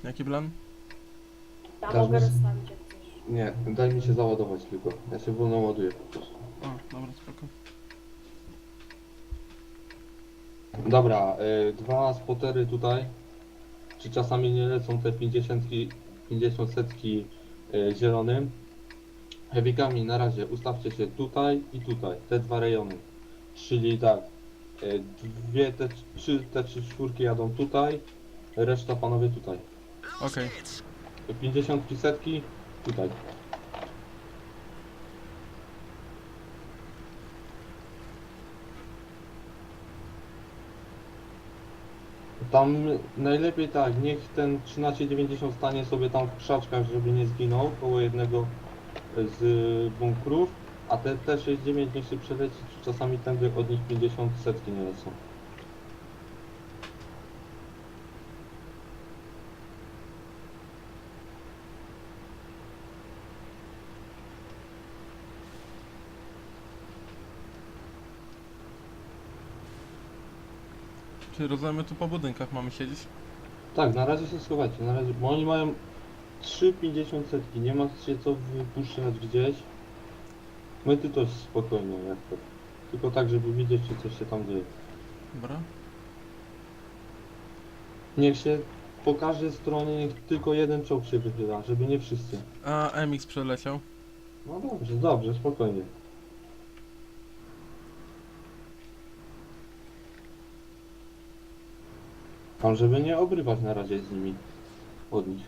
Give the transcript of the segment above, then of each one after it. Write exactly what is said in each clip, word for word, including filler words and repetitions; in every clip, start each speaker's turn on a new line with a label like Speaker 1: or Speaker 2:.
Speaker 1: Jaki plan?
Speaker 2: Ja
Speaker 3: Dasz
Speaker 2: mogę
Speaker 3: mi-
Speaker 2: rozstawić jak chcesz.
Speaker 3: Nie, daj mi się załadować tylko. Ja się wolno ładuję po prostu.
Speaker 1: O, dobra, spoko.
Speaker 3: Dobra, y, dwa spotery tutaj. Czy czasami nie lecą te pięćdziesiątki, pięćdziesiąt setki y, zielonym? Heavykami na razie ustawcie się tutaj i tutaj, te dwa rejony. Czyli tak, y, dwie, te trzy, te trzy czwórki jadą tutaj, reszta panowie tutaj.
Speaker 1: Okej.
Speaker 3: pięćdziesiątki setki tutaj. Tam najlepiej tak, niech ten trzynaście dziewięćdziesiąt stanie sobie tam w krzaczkach, żeby nie zginął koło jednego z bunkrów, a te T sześćdziesiąt dziewięć niech się przeleci, czy czasami tędy od nich pięćdziesiąt setki nie lecą.
Speaker 1: Czyli rozumiem, tu po budynkach mamy siedzieć?
Speaker 3: Tak, na razie się schowajcie, na razie, bo oni mają trzy pięćdziesiąt setki, nie ma się co wypuszczać gdzieś. My ty to spokojnie, jak to. Tylko tak, żeby widzieć, czy coś się tam dzieje.
Speaker 1: Dobra.
Speaker 3: Niech się po każdej stronie, niech tylko jeden czołg się wychyla, żeby nie wszyscy.
Speaker 1: A M X przeleciał.
Speaker 3: No dobrze, dobrze, spokojnie. Tam, żeby nie obrywać na razie z nimi. Od nich.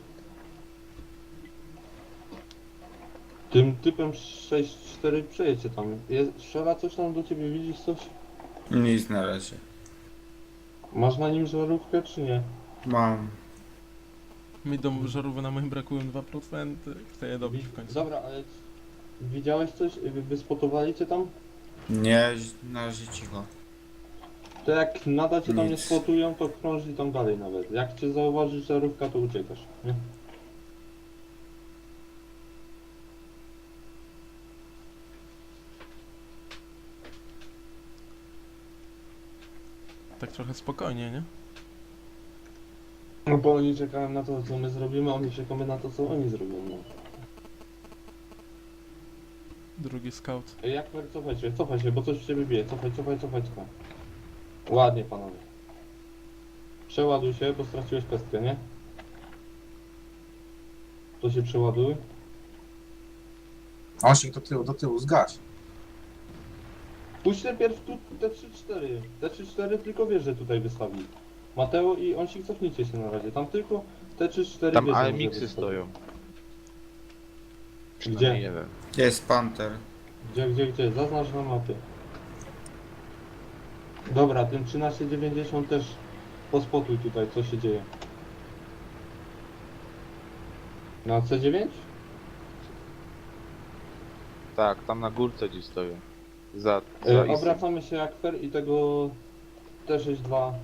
Speaker 3: Tym typem sześć cztery przejedźcie tam. Jest, strzela coś tam do ciebie, widzisz coś?
Speaker 4: Nic na razie.
Speaker 3: Masz na nim żarówkę czy nie?
Speaker 4: Mam.
Speaker 1: Mi do żarówki na moim brakują dwa procent. Chcę je dobić w końcu.
Speaker 3: Dobra, ale widziałeś coś? Wy- Wyspotowali cię tam?
Speaker 4: Nie, na razie cicho.
Speaker 3: To jak nada cię tam nie
Speaker 4: Nic.
Speaker 3: spotują, to krąży tam dalej nawet. Jak cię zauważysz żarówka, to uciekasz, nie?
Speaker 1: Tak trochę spokojnie, nie?
Speaker 3: No bo oni czekają na to, co my zrobimy, a my czekamy na to, co oni zrobią. No.
Speaker 1: Drugi scout.
Speaker 3: Ej, Jak cofaj się, cofaj się, bo coś w ciebie bije. Cofaj, cofaj, cofaj, cofaj. Ładnie, panowie. Przeładuj się, bo straciłeś pestkę, nie? To się przeładuj.
Speaker 5: Osik do tyłu, do tyłu, zgać.
Speaker 3: Puść najpierw tu te trzy cztery. Te trzy cztery tylko wiesz, że tutaj wystawi. Mateo i Onsik, cofnijcie się na razie. Tam tylko te trzy cztery
Speaker 6: Tam
Speaker 3: wiedzą,
Speaker 6: A
Speaker 3: że
Speaker 6: M X-y
Speaker 3: wystawi.
Speaker 6: stoją.
Speaker 3: Gdzie?
Speaker 6: Przynajmniej jeden.
Speaker 4: Jest Panther.
Speaker 3: Gdzie, gdzie, gdzie? Zaznacz na mapie. Dobra, tym trzynaście dziewięćdziesiąt też pospotuj tutaj, co się dzieje. Na C dziewięć?
Speaker 6: Tak, tam na górce gdzieś stoją. Za, za
Speaker 3: E,
Speaker 6: isem.
Speaker 3: obracamy się jak fer i tego T sześćdziesiąt dwa.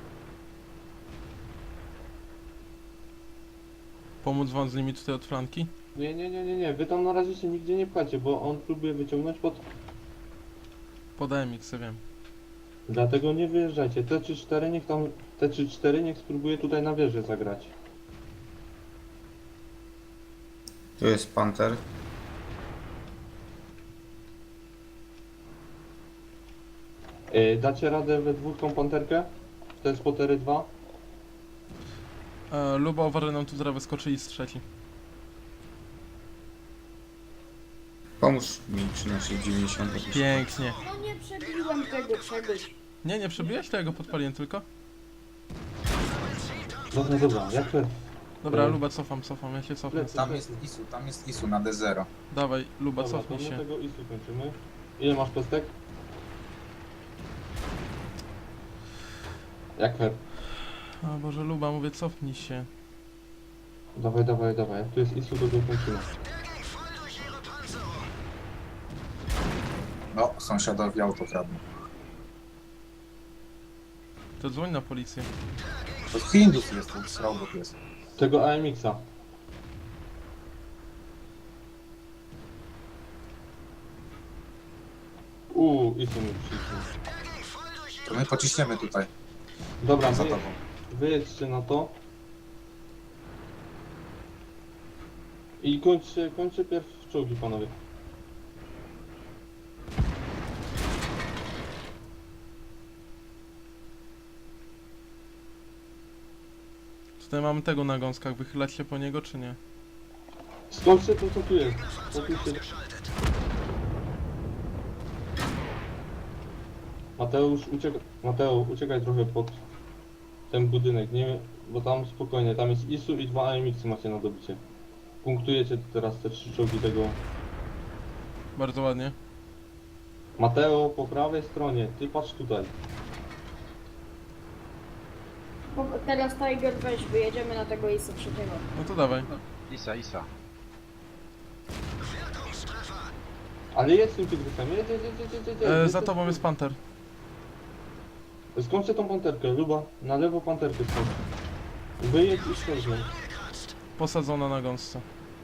Speaker 1: Pomóc wam z nimi tutaj od flanki?
Speaker 3: Nie, nie, nie, nie, nie, wy tam na razie się nigdzie nie pchacie, bo on próbuje wyciągnąć pod...
Speaker 1: Pod M X, wiem.
Speaker 3: Dlatego nie wyjeżdżajcie. T trzy cztery niech tam... T trzy cztery niech spróbuje tutaj na wieżę zagrać.
Speaker 4: Tu jest Panther.
Speaker 3: E, dacie radę we dwóch tą panterkę? Te spotery dwa?
Speaker 1: E, Luba, uważaj, nam tu zaraz wyskoczyli z trzeci.
Speaker 4: Pomóż mi trzynaście dziewięćdziesiąt.
Speaker 1: Pięknie.
Speaker 2: No nie przebiłem tego czegoś.
Speaker 1: Nie, nie przebiłeś tego, podpaliłem tylko.
Speaker 3: Dobra, dobra, jak fer?
Speaker 1: Dobra,
Speaker 3: E.
Speaker 1: Luba, cofam, cofam, ja się cofnę.
Speaker 3: Lecę.
Speaker 5: Tam jest Isu, tam jest Isu na D zero.
Speaker 1: Dawaj, Luba,
Speaker 3: Dobra, to
Speaker 1: cofnij
Speaker 3: my
Speaker 1: się.
Speaker 3: tego isu kończymy. Ile masz pestek? Jak fer?
Speaker 1: O Boże, Luba, mówię, cofnij się.
Speaker 3: Dawaj, dawaj, dawaj. Jak tu jest isu, to go kończymy.
Speaker 5: No, sąsiadowi auto kradną.
Speaker 1: To dzwoń na policję.
Speaker 5: To Hindus jest, ten srałbok jest.
Speaker 3: Tego A M X-a. Uuu, isu mi przyszło.
Speaker 5: To my pociśniemy tutaj,
Speaker 3: Dobra,
Speaker 5: za
Speaker 3: wy,
Speaker 5: tobą.
Speaker 3: wyjedźcie na to. I kończcie, kończcie pierw czołgi, panowie.
Speaker 1: Tutaj mamy tego na gąskach, wychylać się po niego czy nie?
Speaker 3: Skończcie to, co tu jest. Co tu się... Mateusz, uciekaj, Mateusz, uciekaj trochę pod ten budynek, nie, bo tam spokojnie, tam jest Isu i dwa A M X-y macie na dobicie. Punktujecie teraz te trzy czołgi tego.
Speaker 1: Bardzo ładnie.
Speaker 3: Mateo, po prawej stronie, ty patrz tutaj.
Speaker 2: Po- Teraz Tiger weź, wyjedziemy na tego Isa trzeciego.
Speaker 1: No to dawaj.
Speaker 6: Isa, Isa.
Speaker 3: Ale jest tym tygrysem, jedź, jedź, jedź, jedź, jedź, jedź.
Speaker 1: E, za tobą jest panter.
Speaker 3: Skończcie tą panterkę, Luba, na lewo panterkę skończ. Wyjedź i skończmy.
Speaker 1: Posadzona na gąsce.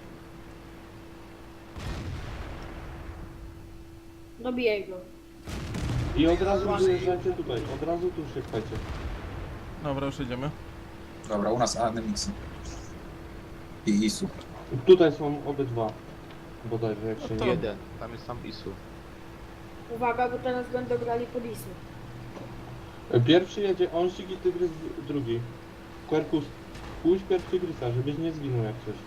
Speaker 2: Dobijaj go.
Speaker 3: I od razu wyjeżdżajcie tutaj, od razu tu się pchajcie.
Speaker 1: Dobra, już jedziemy.
Speaker 5: Dobra, u nas A N M X-y. I Isu.
Speaker 3: Tutaj są obydwa. Bodajże jak się
Speaker 1: No to-
Speaker 3: nie...
Speaker 6: Jeden. Tam jest sam Isu.
Speaker 2: Uwaga, bo teraz będą grali pod Isu.
Speaker 3: Pierwszy jedzie Onsik i Tygrys drugi. Quercus, pójdź pierw Tygrysa, żebyś nie zginął jak coś.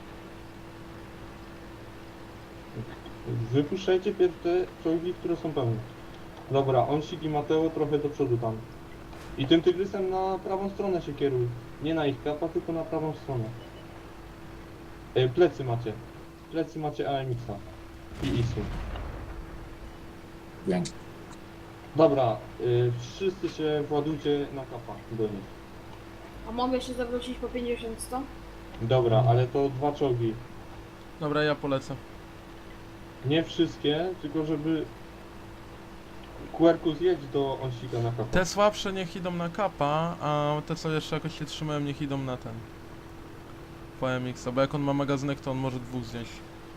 Speaker 3: Wypuszczajcie pierw te czołgi, które są pełne. Dobra, Onsik i Mateo trochę do przodu tam. I tym Tygrysem na prawą stronę się kieruj. Nie na ich kapa, tylko na prawą stronę. E, plecy macie. Plecy macie A M X-a i Isu.
Speaker 5: Pięknie.
Speaker 3: Dobra, y, wszyscy się władujcie na kapa do nich.
Speaker 2: A mogę się zawrócić po pięćdziesiąt sto?
Speaker 3: Dobra, ale to dwa czołgi.
Speaker 1: Dobra, ja polecę.
Speaker 3: Nie wszystkie, tylko żeby... Quercus jedź do Onsika na kapa.
Speaker 1: Te słabsze niech idą na kapa, a te co jeszcze jakoś się trzymają niech idą na ten. Po M X-a, bo jak on ma magazynek to on może dwóch znieść.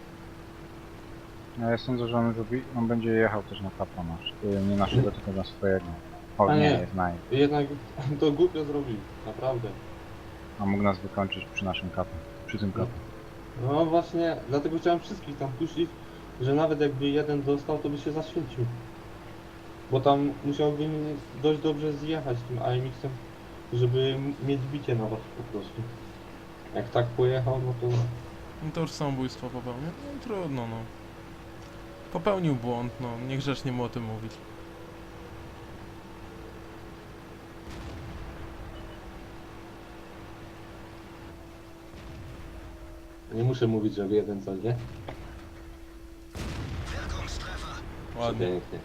Speaker 7: No ja sądzę, że on, lubi, on będzie jechał też na kapa nasz. Y, Nie naszego, tylko na swojego. O
Speaker 3: A
Speaker 7: nie,
Speaker 3: nie.
Speaker 7: jest naj.
Speaker 3: Jednak to głupio zrobił, naprawdę.
Speaker 7: A mógł nas wykończyć przy naszym kapie. Przy tym kapie.
Speaker 3: No właśnie, dlatego chciałem wszystkich tam puścić, że nawet jakby jeden dostał, to by się zaświecił. Bo tam musiałby dość dobrze zjechać tym A M X-em, żeby m- mieć bicie na was po prostu. Jak tak pojechał, no to...
Speaker 1: No to już samobójstwo popełnił. No trudno, no. Popełnił błąd, no. Niegrzecznie mu o tym mówić.
Speaker 3: Nie muszę mówić, że jeden cel, nie?
Speaker 1: Ładnie.
Speaker 3: Pięknie.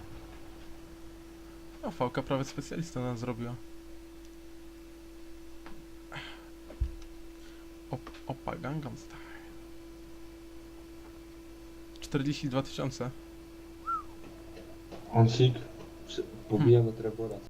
Speaker 1: A Fałka prawie specjalista nas zrobiła. Op, opa, Gangnam Style. czterdzieści dwa tysiące.
Speaker 3: Onsik, przy- pobijemy Trebora.